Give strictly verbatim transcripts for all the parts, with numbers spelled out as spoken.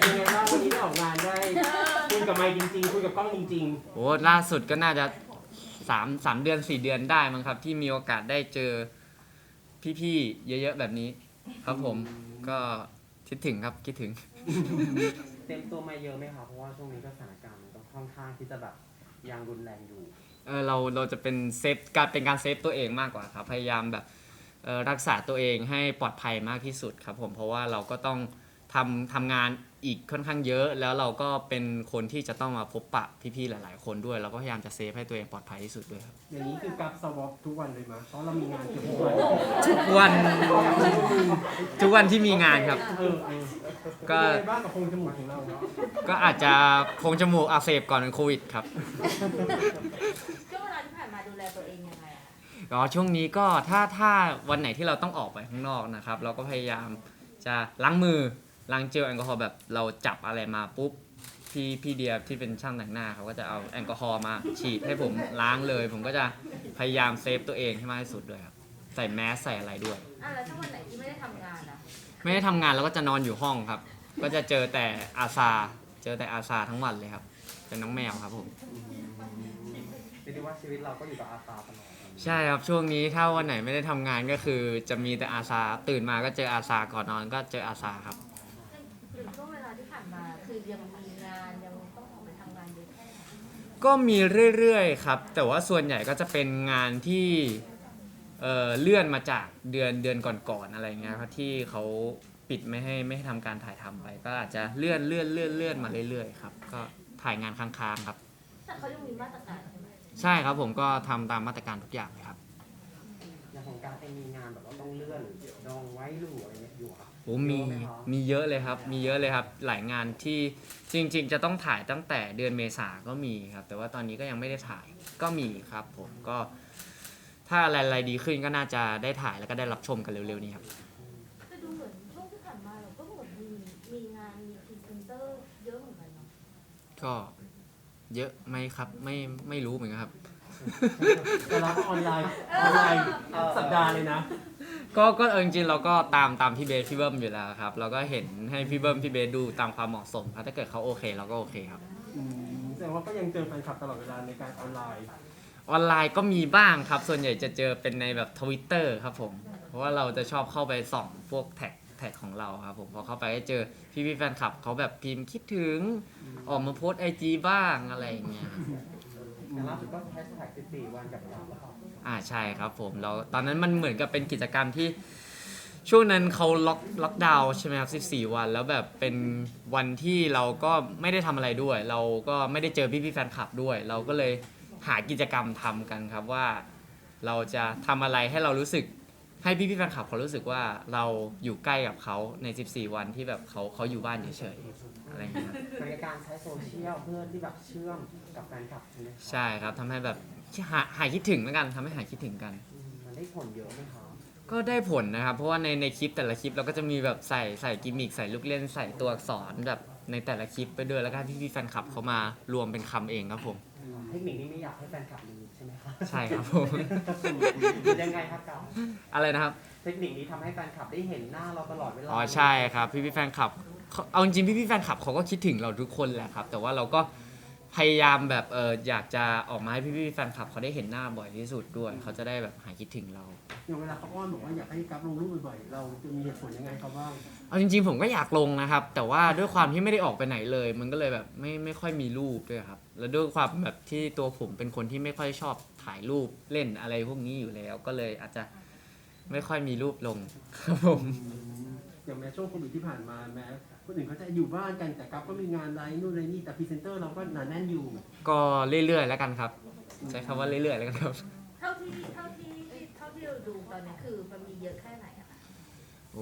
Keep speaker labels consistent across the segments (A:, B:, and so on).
A: ยังไงบ้างวันนี้ได้ออกงานได้คุยกับไมค์จริงๆคุยกับกล้องจริง
B: โอ้ล่าสุดก็น่าจะสามสามเดือนสี่เดือนได้มั้งครับที่มีโอกาสได้เจอพี่ๆเยอะๆแบบนี้ครับผมก็คิดถึงครับคิดถึง
A: ๆเต็มตัวมาเยอะไหมครับเพราะว่าช่วงนี้ก็สถานการณ์มันก็ค่อนข้างที่จะแบบยังรุนแรงอยู่
B: เออเราเราจะเป็นเซฟการเป็นการเซฟตัวเองมากกว่าครับพยายามแบบเอ่อรักษาตัวเองให้ปลอดภัยมากที่สุดครับผมเพราะว่าเราก็ต้องทำทำงานอีกค่อนข้างเยอะแล้วเราก็เป็นคนที่จะต้องมาพบปะพี่ๆหลายๆคนด้วยเราก็พยายามจะเซฟให้ตัวเองปลอดภัยที่สุดด้วยครับ
A: อย่างนี้คือกับสวอปทุกวันเลยมั้ยเพราะเรามีงานเกือบทุกวัน
B: ทุกวันทุกวันที่มีงานครับ
A: เออเออ
B: ก็
A: เป็นยังไงบ้างกับโพรงจมูกของเรา
B: ก็อาจจะโพรงจมูกอักเสบก่อนเป็นโควิดครับ
C: ช่วงเวลาที่ผ่านมาดูแลตัวเองยังไงอะ
B: อ๋อช่วงนี้ก็ถ้าถ้าวันไหนที่เราต้องออกไปข้างนอกนะครับเราก็พยายามจะล้างมือล้างเจลแอลกอฮอล์แบบเราจับอะไรมาปุ๊บพี่พี่เดียที่เป็นช่างแต่งหน้าเขาก็จะเอาแอลกอฮอล์มาฉีดให้ผมล้างเลย ผมก็จะพยายามเซฟตัวเองให้มากที่สุดด้วยครับใส่แมสใส่อะไรด้วย
C: อ่ะแล้วถ้าวันไหนที่ไม่ได้ทำงานอะ
B: ไม่ได้ทำงานเราก็จะนอนอยู่ห้องครับ ก็จะเจอแต่อาซาเจอแต่อาซาทั้งวันเลยครับเป็นน้องแมวครับผม
A: เรียกได้ว่าชีวิตเราก็อยู่กับอาสาตลอด
B: ใช่ครับช่วงนี้ถ้าวันไหนไม่ได้ทำงานก็คือจะมีแต่อาซาตื่นมาก็เจออาซาก่อนนอนก็เจออาซาครับ
C: หรือช่วงเวลาที่ผ่านมาคือยังมีงานยังต้องออกไปทำงานเยอะแค่ไหน
B: ก็มีเรื่อยๆครับแต่ว่าส่วนใหญ่ก็จะเป็นงานที่เอ่อเลื่อนมาจากเดือนเดือนก่อนๆอะไรเงี้ยครับที่เขาปิดไม่ให้ไม่ให้ทำการถ่ายทำไป ก็อาจจะเลื่อนเลื่อนเลื่อนเลื่อนมาเรื่อยๆครับก็ถ่ายงานค้างๆครับ
C: แต่เขายังมีมาตรการใช่ไหม
B: ใช่ครับผมก็ทำตามมาตรการทุกอย่างเลยครับ
A: อย่างของการเองมีงานแบบว่าต้องเลื่อนดองไว้หรืออะไรเงี้ยอยู่ครับ
B: โอ้มีมีเยอะเลยครับมีเยอะเลยครับหลายงานที่จริง ๆ จะต้องถ่ายตั้งแต่เดือนเมษาก็มีครับแต่ว่าตอนนี้ก็ยังไม่ได้ถ่ายก็มีครับผมก็ถ้าอะไรๆดีขึ้นก็น่าจะได้ถ่ายแล้วก็ได้รับชมกันเร็วๆนี้ครับ
C: แต่ดูเหมือนช่วงที่ผ่านมาเราก็เหมือนมีมีงานมีพรีเซนเตอร์เยอะเหมือนกันเนาะ
B: ก็เยอะไหมครับไม่ไม่รู้เหมือนกันครับ
A: แต่เราก็ออนไลน์ออนไลน์สัปดาห์เลยนะ
B: ก็ก็เออจริงๆเราก็ตามตามพี่เบสพี่เบิ้มอยู่แล้วครับเราก็เห็นให้พี่เบิ้มพี่เบสดูตามความเหมาะสมครับถ้าเกิดเขาโอเคเราก็โอเคครับ
A: อืมแสดงว่าก็ยังเจอแฟนคลับตลอดเวลาในการออนไลน์
B: ออนไลน์ก็มีบ้างครับ ส่วนใหญ่จะเจอเป็นในแบบทวิตเตอร์ครับผม เพราะว่าเราจะชอบเข้าไปส่องพวกแท็กแท็กของเราครับผมพอเข้าไปก็เจอพี่พี่ๆแฟนคลับเขาแบบพิมพ์คิดถึงออกมาโพสไอจีบ้างอะไรอย่างเงี้ย
A: แต่ล่าสุดก็แฮชแท็กสิบสี่วันกับเราแล้วครับ
B: อ่าใช่ครับผมเราตอนนั้นมันเหมือนกับเป็นกิจกรรมที่ช่วงนั้นเขาล็อกล็อกดาวน์ใช่ไหมครับสิบสี่วันแล้วแบบเป็นวันที่เราก็ไม่ได้ทำอะไรด้วย เราก็ไม่ได้เจอพี่พี่ๆแฟนคลับด้วย เราก็เลยหากิจกรรมทำกันครับว่าเราจะทำอะไรให้เรารู้สึกให้พี่พี่ๆแฟนคลับเขารู้สึกว่าเราอยู่ใกล้กับเขาในสิบสี่วันที่แบบเขาเขาอยู่บ้านเฉยๆอะไรอย่างเงี้ยครับ
A: เป็นการใช้โซเชียลเพื่อที่แบบเชื่อมกับแฟนคลับใช่ไหมครับ
B: ใช่ครับทำให้แบบหาหายคิดถึงแล้วกันทำให้หายคิดถึงกัน
A: อืมมันได้ผลเยอะไหมครับ
B: ก็ได้ผลนะครับ เพราะว่าในในคลิปแต่ละคลิปเราก็จะมีแบบใส่ใส่กิมมิคใส่ลูกเล่นใส่ตัวอักษรแบบในแต่ละคลิปไปด้วยแล้วก็ให้พี่ๆแฟนคลับเขามารวมเป็นคำเองครับผม
A: เทคนิคนี้ไม่อยากให้แฟนคลับรู้ใช่ไหมครับ
B: ใช่ครับผม
A: ยังไงครับกับ
B: อะไรนะครับ
A: เทคนิคนี้ทำให้แฟนคลับได้เห็นหน้าเราตลอดเวลา
B: อ๋อใช่ครับพี่พี่ๆแฟนคลับเขาเอาจริงๆพี่พี่ๆแฟนคลับเขาก็คิดถึงเราทุกคนแหละครับ แต่ว่าเราก็พยายามแบบเอออยากจะออกมาให้พี่พี่ๆแฟนคลับเขาได้เห็นหน้าบ่อยที่สุดด้วยเขาจะได้แบบหายคิดถึงเรา
A: อย่างเวลาเขาอ้อนบอกว่าอยากให้กับลงรูปบ่อยๆ เราจะมีเหตุผลยังไงครับว่า
B: เอาจริงๆผมก็อยากลงนะครับ แต่ว่าด้วยความที่ไม่ได้ออกไปไหนเลย มันก็เลยแบบไม่ไม่ค่อยมีรูปด้วยครับ แล้วด้วยความแบบที่ตัวผมเป็นคนที่ไม่ค่อยชอบถ่ายรูปเล่นอะไรพวกนี้อยู่แล้ว ก็เลยอาจจะไม่ค่อยมีรูปลงครับผม
A: อย่างแม้ช่วงโควิดที่ผ่านมาแม้คนอื่นเขาจะอยู่บ้านกันแต่กับก็มีงานอะไรนู่นอะไรนี่แต่พรีเซนเตอร์เราก็หนาแน่นอยู่
B: ก็เรื่อยๆแล้วกันครับ ใช้คำว่าเรื่อยๆแล้วกันครับ
C: เท่าที่เท่าที่เท่าที่เราดูตอนนี้คือมันมีเยอะแค่ไหนอะคะ
B: โอ้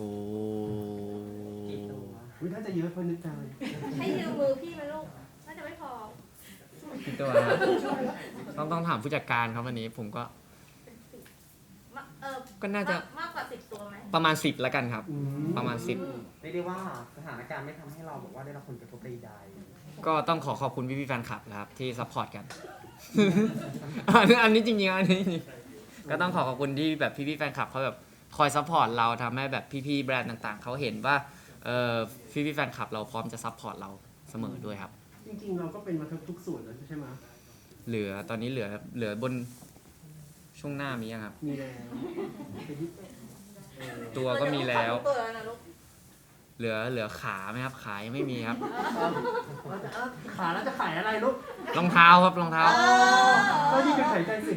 A: อุ๊ยถ้าจะเยอะคนนึกใจ
C: ให้ยืมมือพี่ไหมลูกน่าจะไม่พอ
B: คิดตัวครับต้องต้องถามผู้จัดการครับวันนี้ผมก็
C: มาเออ
B: ก็น่าจะ
C: มมากกว่าสิบตัวไหม
B: ประมาณสิบแล้วกันครับ
A: อื
B: ประมาณสิบ
A: เรียกได้ว่าสถานการณ์ไม่ทำให้เราบอกว่าได้รับผลกระทบใด
B: ก็ต้องขอขอบคุณพี่ๆแฟนคลับนะครับที่ซัพพอร์ตกัน อันนี้อันนี้จริงๆอันนี้จริงๆก็ต้องขอขอบคุณที่แบบพี่ๆแฟนคลับเขาแบบคอยซัพพอร์ตเราทำให้แบบพี่ๆแบรนด์ต่างๆเขาเห็นว่าเอ่อพี่พี่ๆแฟนคลับเราพร้อมจะซัพพอร์ตเราเสมอด้วยครับ
A: จริงๆเราก็เป็นมาทุกทุกส่วนแล้วใช่ไหม
B: เหลือตอนนี้เหลือเหลือบนช่วงหน้ามียังครับ
A: มีแล้วเป็นที่เออ
B: ตัวก็มีแล้ว
C: ตัวแล้วนะลูก
B: เหลือเหลือขาไหมครับขายังไม่มีครับ
A: เราจะเอ้าขาแล้วจะขายอะไรลูก
B: รองเท้าครับรองเท้า
A: ก็นี่คือขายใจสิ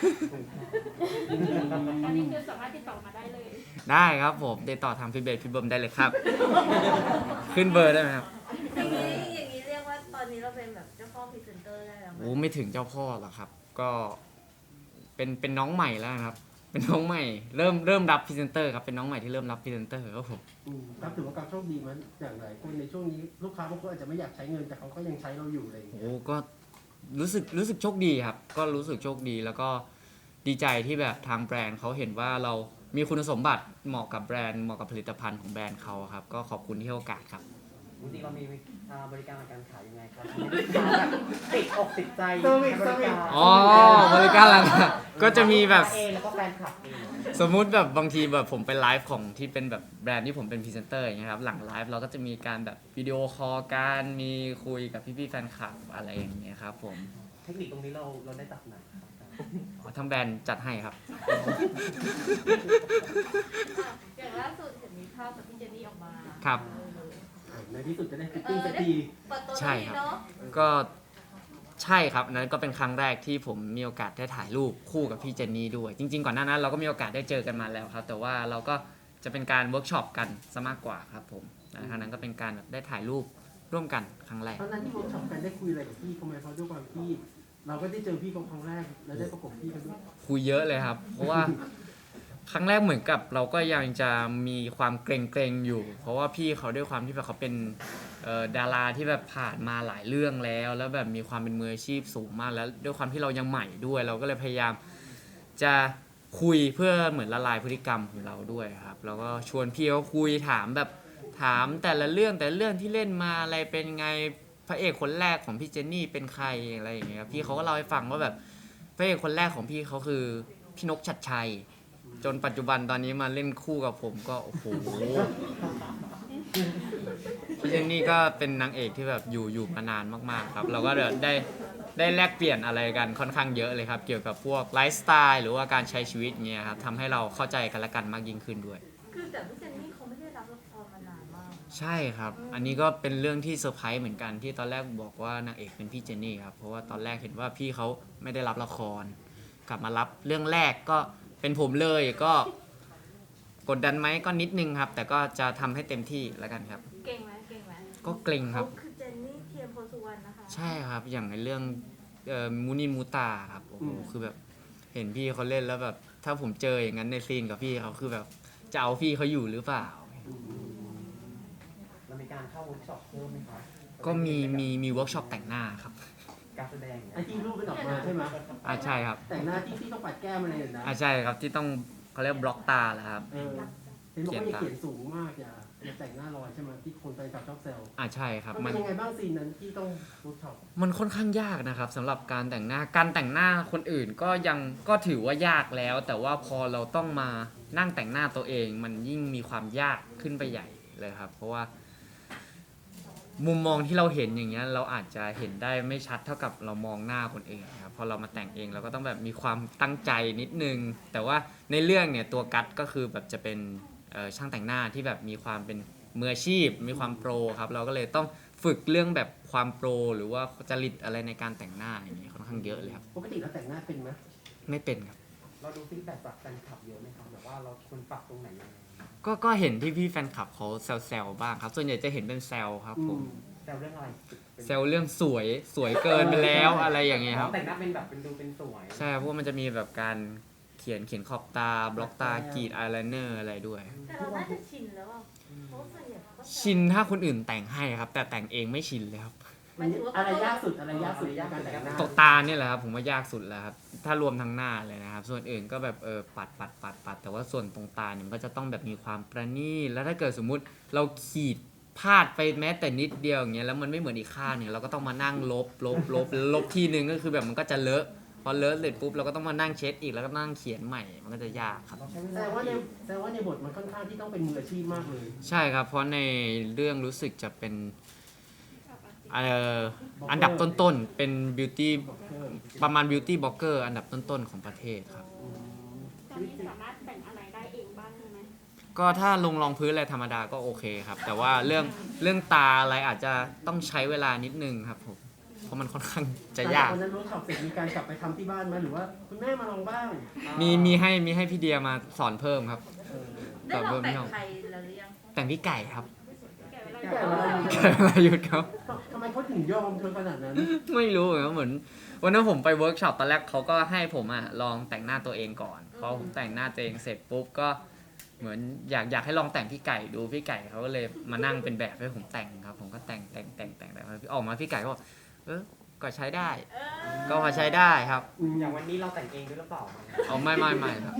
D: อันนี้คือสามารถติดต่อมาได้เลย
B: ได้ครับผมติดต่อทางพี่เบสพี่เบิร์มได้เลยครับ ขึ้นเบอร์ได้ไหมครับ
C: อย่างนี้อย่างนี้เรียกว่าตอนนี้เราเป็นแบบเจ้าพ่อพรีเซนเตอร์ได้แล้วไหม
B: โอ้ไม่ถึงเจ้าพ่อหรอกครับ ก็เป็นเป็นน้องใหม่แล้วนะครับ เป็นน้องใหม่เริ่มเริ่มรับพรีเซนเตอร์ครับเป็นน้องใหม่ที่เริ่มรับพรีเซนเตอร์ครับผม
A: อืมครับถือว่าการโชคดีมั้ยอย่างไรคนในช่วงนี้ลูกค้าบางคนอาจจะไม่อยากใช้เงินแต่เขาก็ยังใช้เราอยู่อะไรอย่างเงี้ย
B: โอ้ก็รู้สึกรู้สึกโชคดีครับ ก็รู้สึกโชคดีแล้วก็ดีใจที่แบบทางแบรนด์เขาเห็นว่าเรามีคุณสมบัติเหมาะกับแบรนด์เหมาะกับผลิตภัณฑ์ของแบรนด์เขาครับ ก็ขอบคุณที่ให้โอกาสครับ
E: จริงๆเรามีอ่าบริการการขายยังไงครับให้ลูกค้าแบบติดอกติดใจ
A: เซอร์วิส
E: ในบริการ
B: อ๋อบริการหลังก็จะมีแบบ
E: เองแล้วก็แฟนคลับเอง
B: สมมุติแบบบางทีแบบผมไปไลฟ์ของที่เป็นแบบแบรนด์ที่ผมเป็นพรีเซนเตอร์อย่างเงี้ยครับหลังไลฟ์เราก็จะมีการแบบวิดีโอคอลกันมีคุยกับพี่ๆแฟนคลับอะไรอย่างเงี้ยครับผม
E: เทคนิคตรงนี้เราเราได้จากไหนครับ
B: อ๋อทางแบรนด์จัดให้ครับ
C: อย่างล่าสุดเห็นมีภาพกับพี่เจนนี่ออกมา
B: ครับ
A: ในที่สุดจะได้ฟิตติ้งสักที
C: เปิดตัว
B: ใช่
C: ที
B: ครับ
C: เนาะ
B: ก็ใช่ครับอันนั้นก็เป็นครั้งแรกที่ผมมีโอกาสได้ถ่ายรูปคู่กับพี่เจนนี่ด้วย จริงๆก่อนหน้านั้นเราก็มีโอกาสได้เจอกันมาแล้วครับ แต่ว่าเราก็จะเป็นการเวิร์กช็อปกันซะมากกว่าครับผมและครั้งนั้นก็เป็นการแบบได้ถ่ายรูปร่วมกันครั้งแรก
A: ตอนนั้นที่เวิร์กช็อปกันได้คุยอะไรกับพี่เขาไหมเพราะด้วยความที่เราก็ได้เจอพี่เขาครั้งแรกแล้วได้ประกบพี่เขาด้วย
B: คุยเยอะเลยครับ เพราะว่าครั้งแรกเหมือนกับเราก็ยังจะมีความเกรงๆอยู่ เพราะว่าพี่เขาด้วยความที่แบบเขาเป็นเอ่อดาราที่แบบผ่านมาหลายเรื่องแล้ว แล้วแบบมีความเป็นมืออาชีพสูงมากแล้วด้วยความที่เรายังใหม่ด้วย เราก็เลยพยายามจะคุยเพื่อเหมือนละลายพฤติกรรมของเราด้วยครับแล้วก็ชวนพี่เขาคุยถามแบบถามแต่ละเรื่องแต่ละเรื่องที่เล่นมาอะไรเป็นไงพระเอกคนแรกของพี่เจนนี่เป็นใครอะไรอย่างเงี้ยครับพี่เขาก็เล่าให้ฟังว่าแบบพระเอกคนแรกของพี่เขาคือพี่นกชัดชัย จนปัจจุบันตอนนี้มาเล่นคู่กับผมก็โอ้โหพี่เจนนี่ก็เป็นนางเอกที่แบบอยู่อยู่มานานมากๆครับเราก็ได้ได้แลกเปลี่ยนอะไรกันค่อนข้างเยอะเลยครับเกี่ยวกับพวกไลฟ์สไตล์หรือว่าการใช้ชีวิตเงี้ยครับทำให้เราเข้าใจกันและกันมากยิ่งขึ้นด้วย
C: คือแต่พี่เจนนี่เขาไม่ได้รับละครมานานมาก
B: ใช่ครับ อันนี้ก็เป็นเรื่องที่เซอร์ไพรส์เหมือนกันที่ตอนแรกบอกว่านางเอกเป็นพี่เจนนี่ครับ เพราะว่าตอนแรกเห็นว่าพี่เขาไม่ได้รับละคร กลับมารับเรื่องแรกก็เป็นผมเลยก็กดดันไหมก็นิดนึงครับ แต่ก็จะทำให้เต็มที่แล้วกันครับ
C: เก่งไหมเก่งไหม
B: ก็เกรงครับ
C: เขาคือเจนนี่เทียมโพสุวรรณนะคะ
B: ใช่ครับ อย่างในเรื่องเอ่อมูนิมูตาครับโอ้โหคือแบบเห็นพี่เขาเล่นแล้วแบบถ้าผมเจออย่างนั้นในซีนกับพี่เขาคือแบบจะเอาพี่เขาอยู่หรือเปล่า
E: เรามีการเข้าเวิร์กช็อปเพิ่มไหมครับ
B: ก็มีมีมีเวิร์กช็อปแต่งหน้าครับ
E: การแสดงเนี่ย
A: ไอ้ที่รูปเป็นออกมาใช่ไหม
B: อ่าใช่ครับ
A: แต่งหน้าที่ที่ต้องปัดแก้มอะไรนะ
B: อ่าใช่ครับที่ต้องเขาเรียกบล็อกตาแหละครับ
A: เออเห็นบอกว่าอย่าเขียนสูงมากอย่าอย่าแต่งหน้าลอยใช่ไหมที่คนไปกับชอบแซว
B: อ่าใช่ครับ
A: มั
B: มัน น
A: เป็นยังไงบ้างซีนนั้นที่ต้องรูปช็อป
B: มันค่อนข้างยากนะครับสำหรับการแต่งหน้าการแต่งหน้าคนอื่นก็ยังก็ถือว่ายากแล้ว แต่ว่าพอเราต้องมานั่งแต่งหน้าตัวเอง มันยิ่งมีความยากขึ้นไปใหญ่เลยครับ เพราะว่า มุมมองที่เราเห็นอย่างเงี้ยเราอาจจะเห็นได้ไม่ชัดเท่ากับเรามองหน้าคนอื่นครับพอเรามาแต่งเองเราก็ต้องแบบมีความตั้งใจนิดนึง แต่ว่าในเรื่องเนี่ยตัวกัดก็คือแบบจะเป็นเอ่อช่างแต่งหน้าที่แบบมีความเป็นมืออาชีพ มีความโปรครับเราก็เลยต้องฝึกเรื่องแบบความโปรหรือว่าจริตอะไรในการแต่งหน้าอย่างเงี้ยค่อนข้างเยอะเลยครับ
A: ปกติเราแต่งหน้าเป็นไหม
B: ไม่เป็นครับ
E: เราดูฟีดแบ็กจากแฟนคลับเยอะไหมครับแบบว่าเราควรปรับตรงไหนยังไง
B: ก็ก็เห็นที่พี่แฟนคลับเขาแซวๆบ้างครับ ส่วนใหญ่จะเห็นเป็นแซวครับ
A: อื
B: ผม
A: ม
E: แซวเรื่องอะไรป็น
B: แซวเรื่องสวยสวยเกินไปแล้วอะไรอย่างเงี้ยครับ
E: แต่งหน้าเป็นแบบเป็นดูเป็นสวย
B: ใช่เพราะว่ามันจะมีแบบการเขียนเขียนขอบตา บล็อกตากรีดอายไลเนอร์อะไรด้วย
C: แต่เราน่าจะชินแล้วอ่ะเพราะว่าส่วนใหญ่เขาก็แซว
B: ชินถ้าคนอื่นแต่งให้ครับ แต่แต่งเองไม่ชินเลยครับ
A: มันอะไรยากสุดอะไรยากสุดในการแต่งหน้า
B: ตกตาเนี่ยแหละครับผมว่ายากสุดแล้วครับถ้ารวมทั้งหน้าเลยนะครับ ส่วนอื่นก็แบบเออปัดปัดปัดปัดแต่ว่าส่วนตรงตาเนี่ยมันก็จะต้องแบบมีความประณีตแล้วถ้าเกิดสมมุติเราขีดพลาดไปแม้แต่นิดเดียวอย่างเงี้ยแล้วมันไม่เหมือนอีกข้างเนี่ยเราก็ต้องมานั่งลบลบลบลบทีนึงก็คือแบบมันก็จะเลอะพอเลอะเสร็จปุ๊บเราก็ต้องมานั่งเช็ดอีกแล้วก็นั่งเขียนใหม่มันก็จะยากครับ
E: เราใช้เว
A: แส
E: ลา
A: ดงว่าในแสดงว่าในบทมันค่อนข้างที่ต้องเป็นมืออาชีพมากเลย
B: ใช่ครับ เพราะในเรื่องรู้สึกจะเป็นเอ่ออันดับต้นๆเป็นบิวตี้ประมาณบิวตี้บล็อกเกอร์อันดับต้นๆของประเทศครับ
D: ตอนนี้สามารถแต่งอะไรได้เองบ้างใช่ไหม
B: ก็ถ้าลงรองพื้นอะไรธรรมดาก็โอเคครับ แต่ว่าเรื่องเรื่องตาอะไรอาจจะต้องใช้เวลานิดนึงครับผมเพราะมันค่อนข้างจะยาก
A: ตอนนั้นรู้ข่าวเสร็จมีการกลับไปทำที่บ้านไหมหรือว่าคุณแม่มาลองบ้าง
B: มีมีให้มีให้พี่เดียมาสอนเพิ่มครับ
A: เออ
C: ได้ลองแต่งใครแล้วหรือยัง
B: แต่งพี่ไก่ครับ
D: แก่เวลา
A: แก่เวลาอยู่
B: ไก่วรายุทธครับ
A: ทำไมเขาถึงยอมเธอขนาดนั้น
B: ไม่รู้เหมือนกันเหมือนวันนั้นผมไปเวิร์กช็อปตอนแรกเขาก็ให้ผมอ่ะลองแต่งหน้าตัวเองก่อนพอผมแต่งหน้าตัวเองเสร็จปุ๊บก็เหมือนอยากอยากให้ลองแต่งพี่ไก่ดูพี่ไก่เขาก็เลยมานั่งเป็นแบบให้ผมแต่งครับ ผมก็แต่งแต่งแต่งแต่งแต่งออกมาพี่ไก่ก็บอกเออก็ใช้ได้ ก็พอใช้ได้ครับ
E: อย่างวันนี้เราแต่งเองด้วยหรือเปล่า
B: เอาไม่ไม่ไม่ครับ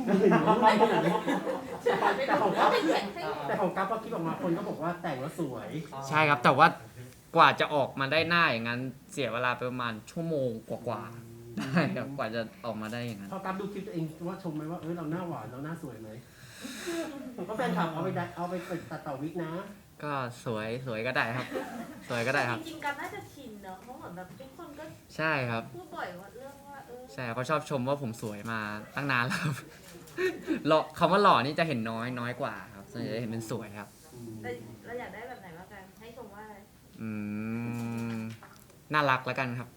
A: แต่ของกัฟ
C: เป็นแข่งให้
A: แต่ของกัฟพอคลิปออกมาคนก็บอกว่าแต่งแล้วสวย
B: ใช่ครับแต่ว่ากว่าจะออกมาได้หน้าอย่างนั้นเสียเวลาไปประมาณชั่วโมงกว่าๆได้ครับกว่าจะออกมาได้อย่างนั้น
A: พอกัฟดูคลิปตัวเองว่าชมไหมว่าเออเราหน้าหวานเราหน้าสวยไหมผมก็แฟนคลับเอาไปดัดเอาไปตัดต่อวิกนะ
B: ก็สวยสวยก็ได้ครับ สวยก็ได้ครับ
C: จริงๆกันน่าจะชินเนอะเพราะเหมือนแบบทุกคนก็
B: ใช่ครับ
C: พูดบ่อยว่าเรื่องว่าเออ
B: ใช่เขาชอบชมว่าผมสวยมาตั้งนานแล้วครับ หล่อคำว่าหล่อนี่จะเห็นน้อยน้อยกว่าครับส่วนใหญ่จะเห็นเป็นสวยครับ
C: แต่เราอยากได้แบบไหนบ้างกันให้ชมว่าอะไร
B: อืมน่ารักแล้วกันครับ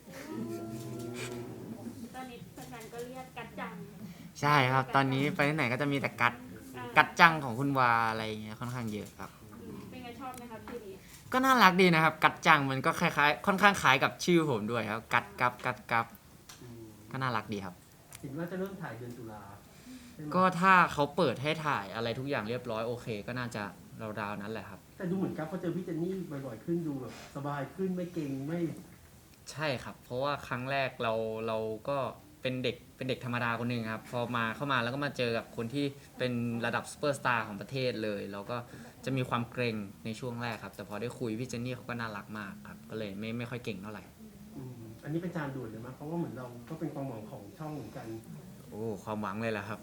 D: ตอนนี้แฟนๆก็เรียกกัดจัง
B: ใช่ครับ ตอนนี้ไปที่ไหนก็จะมีแต่กัด
D: อ่า
B: กัดจังของคุณวาอะไรอย่างเงี้ยค่อนข้างเยอะครับ
D: เป็นไงชอบไหมครับชื่อนี้
B: ก็น่ารักดีนะครับ กัดจังมันก็คล้ายๆ ค่อนข้างคล้ายกับชื่อผมด้วยครับ กัดกับกัดกับก็น่ารักดีครับ
A: เห็นว่าจะเริ่มถ่ายเดือนตุลาใช่ไหม
B: ก็ถ้าเขาเปิดให้ถ่ายอะไรทุกอย่างเรียบร้อยโอเค ก็น่าจะราวๆนั้นแหละครับ
A: แต่ดูเหมือนกัฟพอเจอพี่เจนนี่บ่อยๆขึ้นดูแบบสบายขึ้นไม่เก่งไม่
B: ใช่ครับ เพราะว่าครั้งแรกเราเราก็เป็นเด็กเป็นเด็กธรรมดาคนหนึ่งครับ พอมาเข้ามาแล้วก็มาเจอกับคนที่เป็นระดับซูเปอร์สตาร์ของประเทศเลยเราก็จะมีความเกรงในช่วงแรกครับ แต่พอได้คุยพี่เจนนี่เขาก็น่ารักมากครับ ก็เลยไม่ไม่ค่อยเก่งเท่าไหร่
A: อืมอันนี้เป็นจานด่วนเลยมั้ยเพราะว่าเหมือนเราก็เป็นความหวังของช่องเหมือนกัน
B: โอ้ความหวังเลยแหละครับ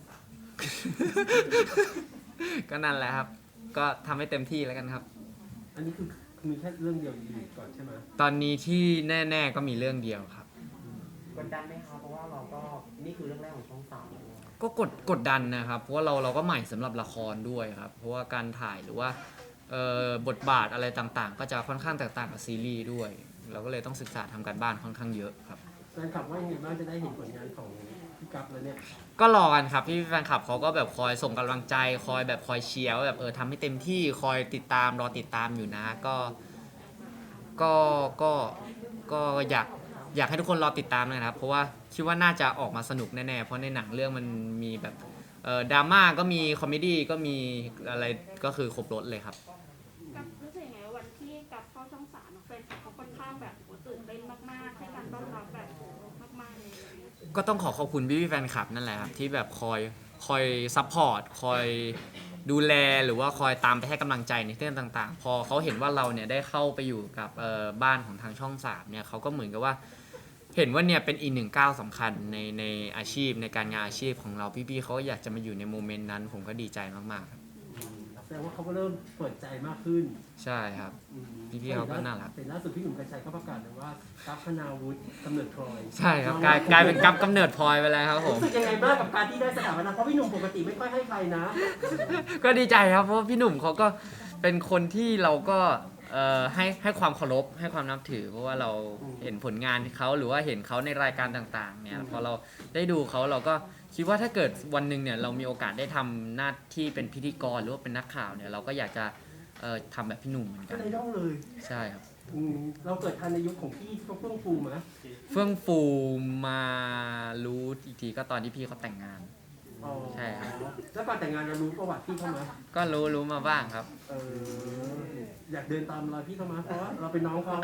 B: ก็นั่นแหละครับ ก็ทำให้เต็มที่แล้วกันครับ
A: อันนี้คือมีแค่เรื่องเดียวอยู่ก่อนใช่ไหม
B: ตอนนี้ที่แน่ ๆก็มีเรื่องเดียวครับ
E: กดดันไหมคะเพราะว่าเราก็นี่คือเรื่องแรกของช่องสามเลย
B: ก็กดกดดันนะครับ เพราะว่าเราเราก็ใหม่สำหรับละครด้วยครับ เพราะว่าการถ่ายหรือว่าเอ่อบทบาทอะไรต่างๆ ก็จะค่อนข้างแตกต่างกับซีรีส์ด้วย เราก็เลยต้องศึกษาทำการบ้านค่อนข้างเยอะครับ
A: แฟนคลับว่ายังไงบ้างจะได้เห็นผลงานของพี่กัฟแล้วเนี่ย
B: ก็รอกันครับพี่แฟนคลับเขาก็แบบคอยส่งกำลังใจ คอยแบบคอยเชียร์ว่าแบบเออทำให้เต็มที่คอยติดตามรอติดตามอยู่นะ ก็ก็ก็ก็อยากอยากให้ทุกคนรอติดตามนะครับ เพราะว่าคิดว่าน่าจะออกมาสนุกแน่ๆเพราะในหนังเรื่องมันมีแบบเอ่อดราม่าก็มีคอมเมดี้ก็มีอะไรก็คือครบรถเลยครับ
D: กับรู้สึกยังไงวันที่กับเข้าช่องสามแฟนคลับเขาค่อนข้างแบบโอ้ตื่นเต้นมากๆให้การต้อนรับแบบมากๆเลยอะไรเงี้ย
B: ก็ต้องขอขอบคุณพี่ๆแฟนคลับนั่นแหละครับที่แบบคอยคอยซัพพอร์ตคอยดูแลหรือว่าคอยตามไปให้กำลังใจในเรื่องต่างๆ พอเขาเห็นว่าเราเนี่ยได้เข้าไปอยู่กับเอ่อบ้านของทางช่องสามเนี่ยเขาก็เหมือนกับว่าเห็นว่าเนี่ยเป็นอีกหนึ่งก้าวสำคัญในในอาชีพในการงานอาชีพของเราพี่ๆเขาก็อยากจะมาอยู่ในโมเมนต์นั้น ผมก็ดีใจมากๆครับ
A: แสดงว่าเขาก็เริ่มเปิดใจมากขึ้น
B: ใช่ครับ
A: อืม
B: พี่ๆเขาก็น่ารัก
A: เห็นล่าสุดพี่หนุ่มกัญชัยก็ประกาศเลยว่ากัฟพนาวุฒิกำเนิดทรอย
B: ใช่ครับกลายกลายเป็นกับกำเนิดพลอยไปแล้วครับผม
A: รู้สึกยังไงบ้างกับการที่ได้สถาปนาเพราะพี่หนุ่มปกติไม่ค่อยให้ใครนะ
B: ก็ดีใจครับเพราะว่าพี่หนุ่มเขาก็เป็นคนที่เราก็เอ่อให้ให้ความเคารพให้ความนับถือ เพราะว่าเราเห็นผลงานเขาหรือว่าเห็นเขาในรายการต่างๆเนี่ยพอเราได้ดูเขาเราก็คิดว่าถ้าเกิดวันหนึ่งเนี่ยเรามีโอกาสได้ทำหน้าที่เป็นพิธีกรหรือว่าเป็นนักข่าวเนี่ยเราก็อยากจะเอ่อทำแบบพี่หนุ่มเหมือน
A: ก็
B: กัน
A: เลยต้องเลย
B: ใช่ครับ
A: อืมเราเกิดทันในยุคของพี่ที่เขาเฟื่องฟูมา
B: เฟื่องฟูมารู้อีกทีก็ตอนที่พี่เขาแต่งงาน
A: อ๋อ
B: ใช่ครับ
A: แล้วก่อนแต่งงานเรารู้ประวัติพี่เข้ามา
B: ก็รู้รู้มาบ้างครับ
A: เอออยากเดินตามรอยพี่เข้ามาเพราะว่าเราเป็นน้องเขา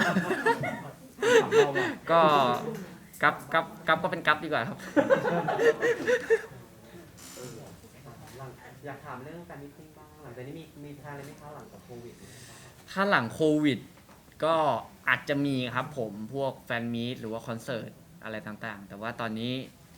B: ก็กับกับกับก็เป็นกับดีกว่าครับ
E: หลังอยากถามเรื่องการมิทติ้งบ้างหลังจากนี้มีมีแพลนอะไรไหมคะหลังจากโควิดเนี่ยครับ
B: ถ้าหลังโควิดก็อาจจะมีครับผมพวกแฟนมีตหรือว่าคอนเสิร์ตอะไรต่างๆ แต่ว่าตอนนี้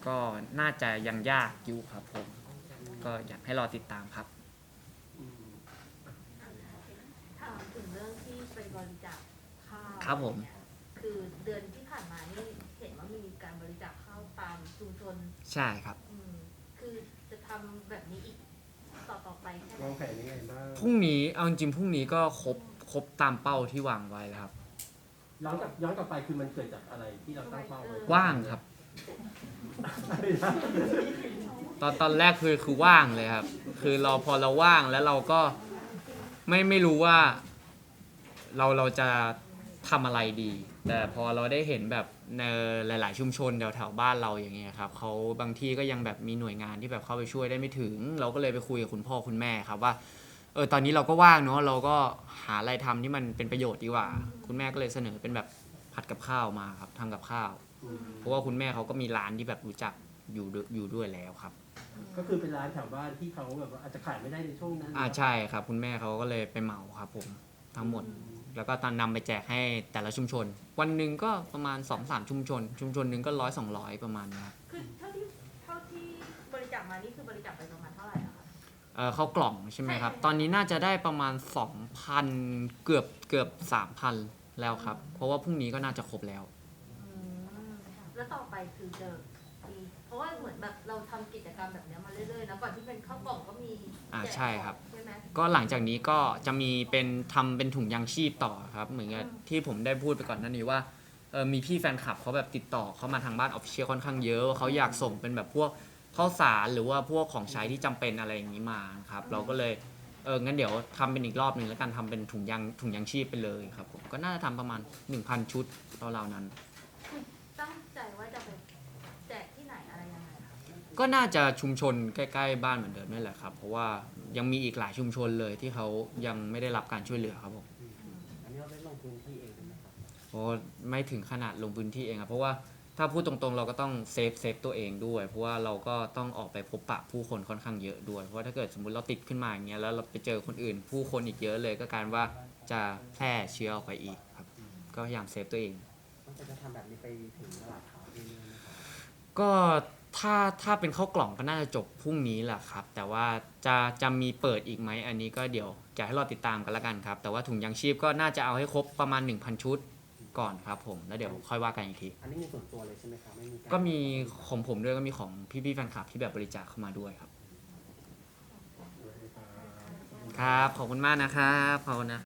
B: ก็น่าจะยังยากอยู่ครับผมก็อยากให้รอติดตามครับ
A: อืม
C: ถามถึงเรื่องที่ไปบริจาคข้าว
B: ครับผม
C: คือเดือนที่ผ่านมานี่เห็นว่ามีการบริจาคข้าวตามชุมชน
B: ใช่ครับ
C: อืมคือจะทำแบบนี้อีกต่อต่อไปแค่ไหน
A: วางแผนยังไงบ้าง
B: พรุ่งนี้เอาจริงๆพรุ่งนี้ก็ครบครบตามเป้าที่วางไว้แล้วครับ
A: ย้อนกลับย้อนกลับไปคือมันเกิดจากอะไรที่เราตั้งเป้าไว้
B: ว่างครับ
A: อะไรนะ
B: ตอนตอนแรกคือคือว่างเลยครับ คือเราพอเราว่างแล้วเราก็ไม่ไม่รู้ว่าเราเราจะทำอะไรดี แต่พอเราได้เห็นแบบในหลาย ๆ ชุมชนแถวแถวบ้านเราอย่างเงี้ยครับเขาบางที่ก็ยังแบบมีหน่วยงานที่แบบเข้าไปช่วยได้ไม่ถึง เราก็เลยไปคุยกับคุณพ่อคุณแม่ครับว่าเออตอนนี้เราก็ว่างเนาะเราก็หาอะไรทำที่มันเป็นประโยชน์ดีกว่า คุณแม่ก็เลยเสนอเป็นแบบผัดกับข้าวมาครับทำกับข้าว
A: อืม
B: เพราะว่าคุณแม่เขาก็มีร้านที่แบบรู้จักอยู่ด้วยอยู่ด้วยแล้วครับ
A: ก็คือเป็นร้านแถวบ้านที่เขาแบบว่าอาจจะขายไม่ได้ในช่วงนั้น
B: อ่าใช่ครับคุณแม่เขาก็เลยไปเหมาครับผมทั้งหมด แล้วก็ตอนนำไปแจกให้แต่ละชุมชน วันหนึ่งก็ประมาณ สองสาม ชุมชน ชุมชนหนึ่งก็ร้อยสองร้อยประมาณนี้ครับ
C: คือเท่าที่เท่าที่บริจาคมานี่คือบริจาคไปประมาณเท่าไหร่อะคะ
B: เอ่อเข้ากล่องใช่ไหมครับ
C: ใช่
B: ตอนนี้น่าจะได้ประมาณ สองพัน เกือบเกือบ สามพัน แล้วครับ เพราะว่าพรุ่งนี้ก็น่าจะครบแล้ว
C: อืมแล้วต่อไปคือจะมีเพราะว่าเหมือนแบบเราทำกิจกรรมแบบเนี้ยมาเรื่อยๆนะก่อนที่เป็นข้าวกล่องก็มี
B: อ่า
C: แจก
B: ใช่ครับ
C: ใช่ไหม
B: ก็หลังจากนี้ก็จะมีเป็นทำเป็นถุงยางชีพต่อครับ เหมือนกับที่ผมได้พูดไปก่อนหน้านี้ว่าเออมีพี่แฟนคลับเขาแบบติดต่อเขามาทางบ้านออฟฟิเชียลค่อนข้างเยอะเขาอยากส่งเป็นแบบพวกข้าวสารหรือว่าพวกของใช้ที่จำเป็นอะไรอย่างนี้มาครับเราก็เลยเอองั้นเดี๋ยวทำเป็นอีกรอบหนึ่งแล้วกันทำเป็นถุงยางถุงยางชีพไปเลยครับผมก็น่าจะทำประมาณ หนึ่งพัน ชุดราวๆนั้น
C: คือตั้งใจว่าจะไปแจกที่ไหนอะไรยังไงคะ
B: ก็น่าจะชุมชนใกล้ๆบ้านเหมือนเดิมนี่แหละครับเพราะว่ายังมีอีกหลายชุมชนเลยที่เขายังไม่ได้รับการช่วยเหลือครับผม
E: อันนี้เราได้ลงพื้นที่เองใช่ไหมครับ
B: โอ้ไม่ถึงขนาดลงพื้นที่เองครับเพราะว่าถ้าพูดตรงๆเราก็ต้องเซฟเซฟตัวเองด้วย เพราะว่าเราก็ต้องออกไปพบปะผู้คนค่อนข้างเยอะด้วยเพราะว่าถ้าเกิดสมมติเราติดขึ้นมาอย่างเงี้ยแล้วเราไปเจอคนอื่น ผู้คนอีกเยอะเลยก็กลารว่าจะแพร่เชื้อออกไปอีกครับก็พยายามเซฟตัวเอง
E: ต้องจะทำแบบนี้ไปถึงตลาดขาวเรื่อยๆไหมครับ
B: ก็ถ้าถ้าเป็นข้าวกล่องก็น่าจะจบพรุ่งนี้แหละครับ แต่ว่าจะจะมีเปิดอีกไหมอันนี้ก็เดี๋ยวจะให้รอติดตามกันละกันครับ แต่ว่าถุงยางชีพก็น่าจะเอาให้ครบประมาณ หนึ่งพัน ชุดก่อนครับผมแล้วเดี๋ยวค่อยว่ากันอีกที
E: อันนี้มีส่วนตัวเลยใช่ไหมครับไม่มีาร
B: ก็มีของผมด้วยก็มีของพี่ๆแฟนคลับที่แบบบริจาคเข้ามาด้วยครับ ครับขอบคุณมากนะครับขอบคุณนะ